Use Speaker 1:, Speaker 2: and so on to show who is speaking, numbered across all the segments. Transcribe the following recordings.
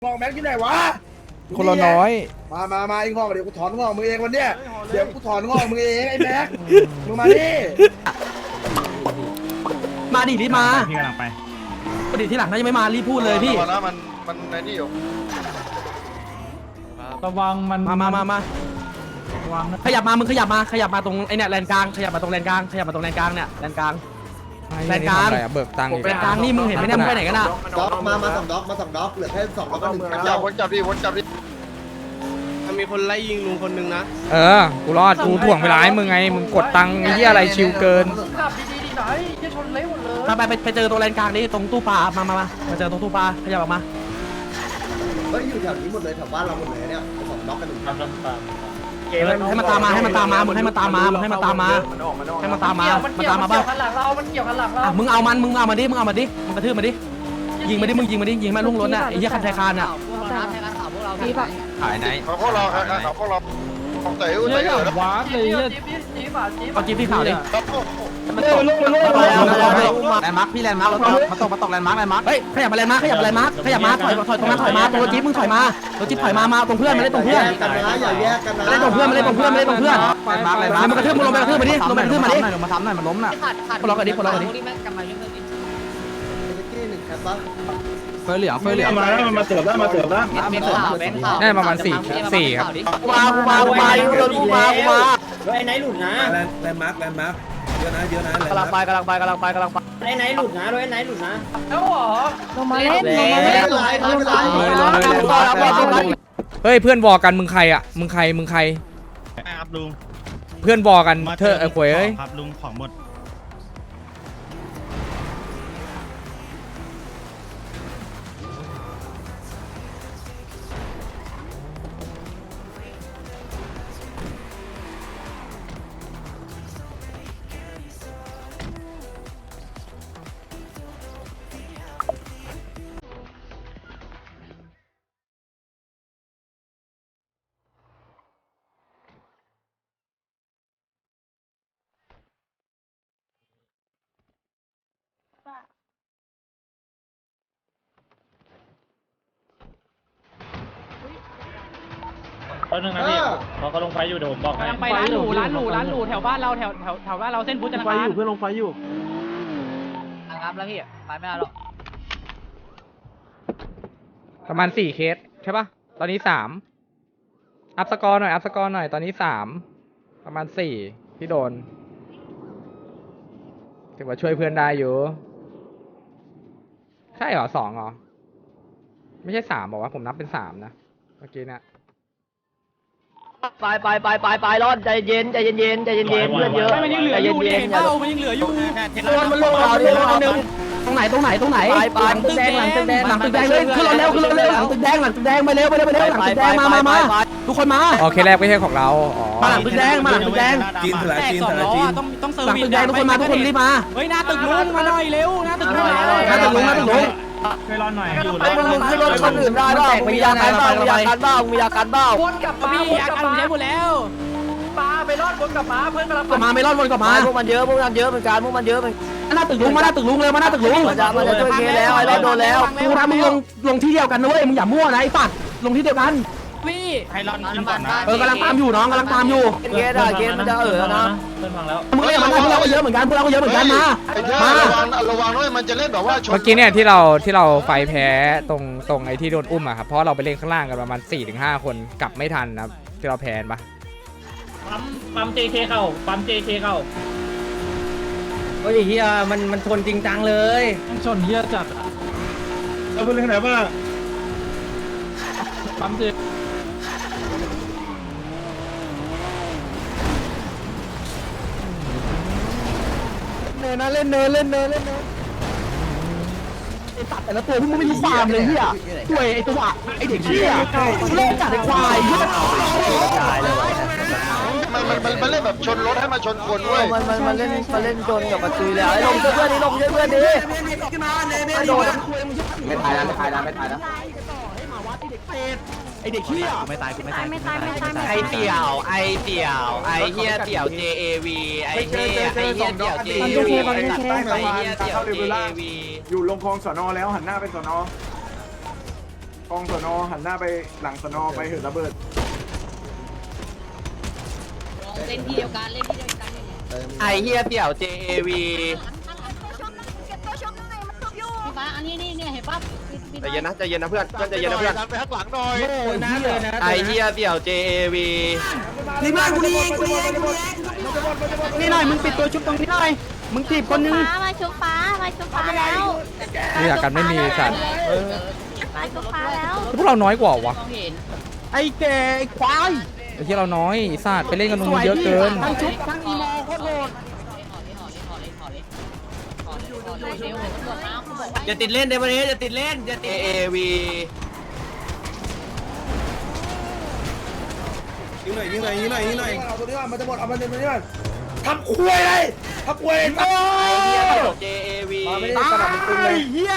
Speaker 1: งอกแม็กที่ไหนวะ
Speaker 2: คนละน้อย
Speaker 1: มาไอ้งอกเดี๋ยวกูถอนงอกมึงเองวันเนี้ยเดี๋ยวกูถอนงอกมึงเองไอ้แม็กมึงมาดิ
Speaker 3: มาดิรีบมา
Speaker 4: พี่กำลังไป
Speaker 3: ปดิที่หลังน่าจะไม่มารีบพูดเลยพี่
Speaker 5: นะมันในนี่อยู่
Speaker 4: ระวังมัน
Speaker 3: มา
Speaker 4: ระวังนะ
Speaker 3: ขยับมามึงขยับมาตรงไอเนี่ยแลนกลางขยับมาตรงแลนกลางขยับมาตรงแลนกลางเนี่ยแลนกลางแลนกลาง
Speaker 2: เบิกตังค์
Speaker 3: แลนกลางนี่มึงเห็นไหมเนี่ยมึงไปไหนกันอ่ะ
Speaker 1: ด็อกมาสองด็อกเหลือแค่2ด็อกก็1
Speaker 5: วนจับดิ
Speaker 6: มันมีคนไล่ยิงลุงคนนึงนะ
Speaker 2: กูรอดกูถ่วงเวลาให้มึงไงมึงกดตังค์ไอ้เหี้ยอะไรชิวเกิน
Speaker 1: ขับดีๆหน่อยจะชนเละหมดเลย
Speaker 3: ไปเจอตรงแลนกลางนี่ตรงตู้ปลามาเจอตรงตู้ปลาขยับออกมา
Speaker 1: เฮ้ยอยู่แถวนี้หมดเลยแถวบ้านเราหมดเลยเนี่ย2ด็อกกัน1
Speaker 3: ให้มันตามมามึงให้มันตามมามันตามมาบ้างมัน
Speaker 1: หลังเรามันเกี่ยวกันหลังเรา
Speaker 3: มึงเอามันดิมึงกระทืบมาดิยิงมาลุ่งล้นอ่ะไอ้เหี้ยคันไทยคานอ่ะ
Speaker 5: ถ่ายไหนเขาพวกเราของเต๋อ
Speaker 4: ว้าเลย
Speaker 3: เอาจิ๊บที่ข่าวดิ
Speaker 6: แลนด์มาร์คพี่แลนด์มาร์คมาตกแลนด์มาร์ค
Speaker 3: เฮ้ยขยับมาแลนด์มาร์คถอยตรงนั้นถอยมาตัวจิ๊บมึงถอยมาตัวจิ๊บถอยมาตรงเพื่อนมาเล่นตรงเพื่อน
Speaker 1: กันนะอย่าแยกกันนะ
Speaker 3: มาเล่นตรงเพื่อนมันกระทืบมึงลงไปกระทืบมาดิลงไปกระทืบมาดิ
Speaker 6: มาทำหน่อยมันล้มน่ะ
Speaker 3: คนละกันดิ
Speaker 1: 1แคปบ้าง
Speaker 6: เฟยเหลือง
Speaker 4: มาแล้วมันมาเติมแล้ว
Speaker 2: ได้ประมาณ4ครับ
Speaker 3: กูมา
Speaker 1: ไอ้ไหนหลุดนะแลนด์มาร์คเยอะนะ
Speaker 3: กำลังไป
Speaker 1: ไอ้ไหนหลุดนะไอ้ไหนหลุดนะแล้วหรอ
Speaker 7: ลงมาเล่น
Speaker 2: เฮ้ยเพื่อนวอกันมึงใครอ่ะมึงใคร
Speaker 4: ครับลุง
Speaker 2: เพื่อนวอกันเธอขวยเอ้ย
Speaker 4: ครับลุงของหมดตอนนึงนะพี่เขาลงไฟอยู่เดี๋ยวผมบอกให้
Speaker 7: ไปร้านหรูแถวบ้านเราแถวบ้านเราเส้นพุทธนาคาร
Speaker 4: เพื่อนลงไฟอยู่
Speaker 7: ครับแล้วพี่ไปไม่ได้หรอก
Speaker 2: ประมาณ4เคสใช่ป่ะตอนนี้3อัพสกอร์หน่อยตอนนี้3ประมาณ4ที่โดนถือว่าช่วยเพื่อนได้อยู่ใช่เหรอ2เหรอไม่ใช่3บอกว่าผมนับเป็น3นะเมื่อกี้เนี่ย
Speaker 7: ไปรอดใจเย็นเพื่อนเยอะ
Speaker 3: มันยังเหลืออยู่มันลงรอนึงตรงไหนหลังตึกแดงเลยขึ้นรถเร็วหลังตึกแดงไปเร็วหลังตึกแดงมาทุกคนมา
Speaker 2: โอเคแรกไม่ใช่ของเรา
Speaker 3: มาหลังตึกแดง
Speaker 6: จีน
Speaker 7: ต้องเซิร์ฟ
Speaker 3: หลังตึกแดงทุกคนรีบมา
Speaker 7: เฮ้ยหน้าตึกลุงมาหน่อยเร็วหน้าตึกลุง
Speaker 4: ช่วยรอหน่อยอยู่
Speaker 3: ไอ้มึงขึ้นรถคนอื่นได้ป่ะมียากันบ้าง
Speaker 7: วนกลับมาพี่ยากันผมใช้หมดแล้ว
Speaker 1: มาไปรอดวนกลับมาเพื่อนกำลัง
Speaker 3: ไม่รอดวนกลับมา
Speaker 7: พวกมันเยอะเหมือนกัน
Speaker 3: หน้าตึกลุงมาหน้าตึกลุงเลยมันจะช่วยเคแล้วไอ้รอดโดนแล้วกูทำมึงลงที่เดียวกันนะเว้ยมึงอย่ามั่วนะไอ้สัตว์ลงที่เดียวกัน
Speaker 7: พี่
Speaker 4: ให้รอนขึ้นก่อนนะ
Speaker 3: กำลังตามอยู่น้องกำลังตามอยู่
Speaker 7: เกมมันจะแล้วนะ
Speaker 4: เพื่อนพังแล้ว
Speaker 3: มึงเล่นมันพวกเราก็เยอะเหมือนกันมา
Speaker 5: ระวังด้วยมันจะเล่นแบบว่า
Speaker 2: เมื่อกี้เนี่ยที่เราไฟแพ้ตรงไอ้ที่โดนอุ้มอะครับเพราะเราไปเล่นข้างล่างกันประมาณ 4-5 คนกลับไม่ทันนะครับที่เราแพ้ปะ
Speaker 4: ปั๊ม JK เข้า
Speaker 3: เฮ้ยเฮียมันชนจริงจังเลย
Speaker 4: ชนเฮียจัดเราเป็นเรื่องไหนบ้างปั๊ม JK
Speaker 3: เนินนะเล่นเนินไอ้ตัดแต่ละตัวพวกมึงไม่รู้ความเลยเฮียตัวไอ้ตัวไอ้เด็กเฮียเล่นจัดไอ้ควาย
Speaker 5: มันเล่นแบบชนรถให้มาชนคนเว้ย
Speaker 7: มันเล่นจนกับมาตุยแล้วไอ้ลงเพื่อนดิ
Speaker 3: ไม่โดน
Speaker 6: ไม่ตายแล้ว
Speaker 3: ไอเด็กเฮีย
Speaker 7: ไม่ตาย
Speaker 3: ไอเตี่ยวไอเฮียเตี่ยว JAV ไอเฮียเตี่ยว JAV
Speaker 4: อยู่ลงคลองสน.แล้วหันหน้าไปสน.เ
Speaker 1: กองสนอหันหน้าไปหลังสนอไปเหินระเบิด
Speaker 8: เล่นที่เดียวกันเล่นที่เดียวกัน
Speaker 7: ไอเฮียเปี่ยว JAV
Speaker 8: พี่ฟ้าอันนี้นี่เนี่ยเห็นป่ะ
Speaker 7: ใจเย็นนะใจเย็นนะเพื่อนใจเย็นนะเพื่อน
Speaker 5: ดันไปข้างหลังหน่อย
Speaker 3: โอ้ยนะเลยนะ
Speaker 7: ไอเฮียเปี่ยว JAV
Speaker 3: นี่มากูนี่เองกูนี่เองกูนี่หน่อยมึงปิดตัวชุบตรงนี้หน่อยมึงถีบคนนึง
Speaker 8: มาชุบฟ้าแล้ว
Speaker 2: นี่อยากกันไม่มีสัตว์
Speaker 8: มาชุบฟ้าแล้ว
Speaker 2: พวกเราน้อยกว่าวะ
Speaker 3: ไอ้แกไอ้ควาย
Speaker 2: ไอ้ที่เราน้อยไอ้สัตว์ไปเล่นกันตรงนู้นเยอะเกิน
Speaker 3: ทั้งชุบทั้งอีโมโคตรโหด
Speaker 7: อย่าติดเล่นเดี๋ยววันนี้อย่าติดเล่นอย่าติด JAV
Speaker 1: ยิงหน่อยเอาตัวนี้ก่อนมันจะหมดเอามันตัวนี้ก่อนทำคุยเลยทำคุยเลย
Speaker 7: ไอเฮียเปี่ยว JAV
Speaker 1: มาไม่ได้สนับมึงตึงเลย
Speaker 3: เฮีย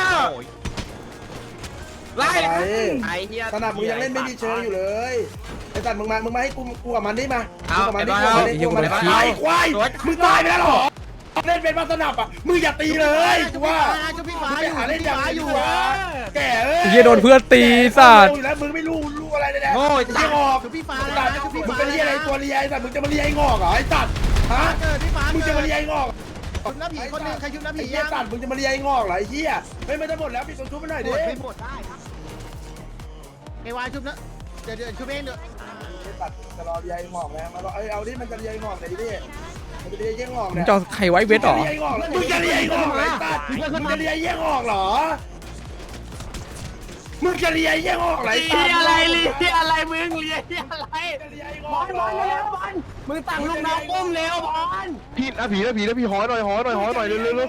Speaker 3: ไล่
Speaker 7: ไอเฮีย
Speaker 1: สนับมึงยังเล่นไม่มีเชิงอยู่เลยไอ้สัตว์มึงมาให้กูกับมันนี่มา
Speaker 5: เอา
Speaker 1: กับมัน
Speaker 5: เดี๋
Speaker 1: นี่
Speaker 5: ยว
Speaker 1: กูกับมันนี่ไอ้ควายมึงตายไปแล้วหรอเล่นเป็นมาสนับอ่ะมึงอย่าตีเลยกูว่ามึงไปหาเล่นอย่างอื่นอยู่วะแก่เอ้ย
Speaker 2: ไอ้เหี้ยโดนเพื่อนตีสัตว์
Speaker 1: อยู่แล้วมึงไม่รู้อะไรเลยนะ
Speaker 5: โง่
Speaker 1: ไอ้เหี้ยงอกพี่ฟ้ามึงเป็นเหี้ยอะไรตัวเลียไอ้สัตว์มึงจะมาเลียไอ้งอกเหรอไอ้สัตว์ฮะมึงจะมาเลียไอ้งอกชุบน้ำผีคนนึงใครชุบน้ำผีไอ้เหี้ยสัตว์มึงจะมาเลียไอ้งอกเหรอไอ้เหี้ยไม่ได้หมดแล้วปิดตัวชุบไปหน่อยดิ
Speaker 3: ไอ้วายชุบนะเดี๋ยวชุบเองเดี๋ยว
Speaker 1: ตัดจะรอเลียไอ้งอกแล้วมาเอาดิมันจะเลียไอ้งอกไหนดิมันจะเลียไอ้งอก
Speaker 2: มึง
Speaker 1: เนี่ย
Speaker 2: จะเอาใครไว้เวทหรอ
Speaker 1: มึงจะเลียไอ้งอกเหรอไอ้สัตว์มึงจะเลียไอ้เหี้ยงอกเหรอมึงจะเลียไอ้เหี้ยงอกเหรอไอ้สัตว์
Speaker 3: อะไรมึงเลียอะไร
Speaker 1: จะเลียไอ้งอกเหรอ
Speaker 3: มึงตั้งลูกน้องก้มเร็วบอล
Speaker 5: พี่นะผีหอหน่อยเร็ว
Speaker 1: หอยงอก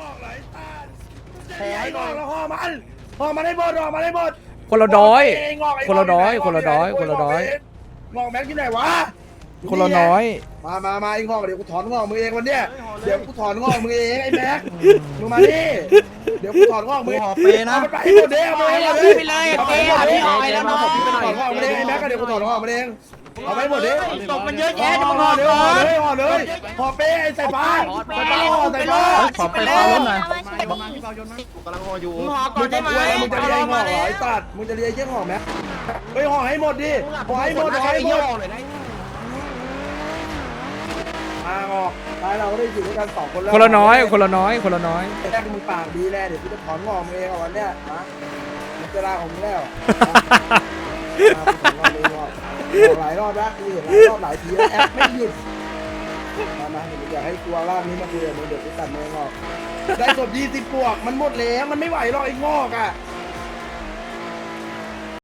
Speaker 1: แล้วห่อมันให้หมดห่อมันให้หมด
Speaker 2: คนละน้อย คนละน้อย คนละน้อย คนละน้อย
Speaker 1: งอกแม็กอยู่ไหนวะ
Speaker 2: คนละน้อย
Speaker 1: มาไอ้งอกเดี๋ยวกูถอนงอกมึงเองวันเนี้ยเดี๋ยวกูถอนงอกมึงเองไอ้แม็กมึงมาดิเดี๋ยวกูถอนงอกมึงเอามันไปให้หมดเด้เอาไปให้หมดดิเอาไปให้หมดดิเอาไปแล้วน้องถอนงอกมึงเองไอ้แม็กก็เดี๋ยวกูถอนงอกมึงเองเอาไปหมดดิ
Speaker 3: ตกมันเยอะแยะจะมาห่อ
Speaker 1: เลยห่อเลยห่อเป้ไอ้ใส่ฟ้าใส่ฟ้าห่อใส่ฟ้า
Speaker 3: ขอไปฟ้าล้มหน่อย
Speaker 7: กำลังรออยู่
Speaker 3: มึงห่อก่
Speaker 1: มึ
Speaker 3: อน
Speaker 1: ง
Speaker 3: ได้
Speaker 1: จะ
Speaker 3: ไหม
Speaker 1: มึงจะเลี้ยงห่อไอ้ตัดมึงจะเลี้ยงห่อแม็กไปห่อให้หมดดิห่อให้หมดห่อให้หมดออกท้ายเราก็ได้อยู่ด้วยกัน2คนแล้ว
Speaker 2: คนละน้อย คนละน้อย คนละน้อย
Speaker 1: แรกมึงปากดีแน่เดี๋ยวกูจะถอนงอกมึงเองวันเนี้ยนะมึงจะลาของมึงแล้วหลายรอบแล้วกูเห็นหลายรอบหลายทีแล้วแอปไม่หยุดมาเดี๋ยวอยากให้กลัวรอบนี้มาคุยกับมึงเดี๋ยวกูตัดมึงออกได้ศพ20 ปวกมันหมดแล้วมันไม่ไหวหรอกไอ้งอกอ่ะ